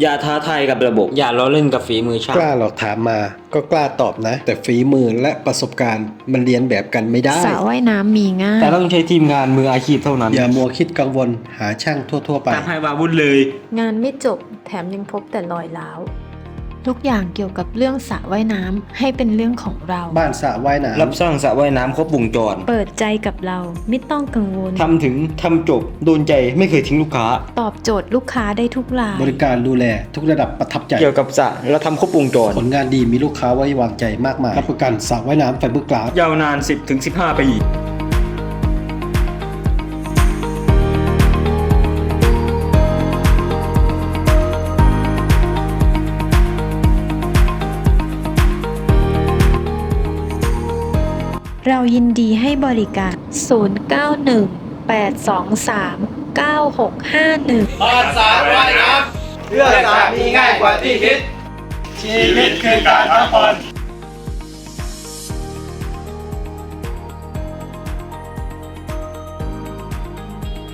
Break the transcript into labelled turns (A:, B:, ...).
A: อย่าท้าทายกับระบบอย่าล้อเล่นกับฝีมือช่าง
B: กล้าหรอกถามมาก็กล้าตอบนะ แต่ฝีมือและประสบการณ์มันเรียนแบบกันไม่ได้
C: สระว่ายน้ำมีง่าย
A: แต่ต้องใช้ทีมงานมืออาชีพเท่านั้น
B: อย่ามัวคิดกังวลหาช่างทั่วๆไป
A: ตามให้วาวุ่นเลย
C: งานไม่จบแถมยังพบแต่รอยร้าวทุกอย่างเกี่ยวกับเรื่องสระว่ายน้ำให้เป็นเรื่องของเรา
B: บ้านสระว่ายน้ำ
A: รับสร้างสระว่ายน้ำครบวงจร
C: เปิดใจกับเราไม่ต้องกังวล
A: ทำถึงทำจบโดนใจไม่เคยทิ้งลูกค้า
C: ตอบโจทย์ลูกค้าได้ทุกราย
B: บริการดูแลทุกระดับประทับใจ
A: เกี่ยวกับสระเราทำครบวงจร
B: ผลงานดีมีลูกค้าไว้วางใจมากมายรับประกันสระว่ายน้ำไฟเบอร์กลาส
A: ยาวนาน 10-15 ปี
C: เรายินดีให้บริการ 0918239651
D: บ้านสระว่ายน้ำเพื่อสระมีง่ายกว่าที่คิด ชีวิตคือการพักผ่อน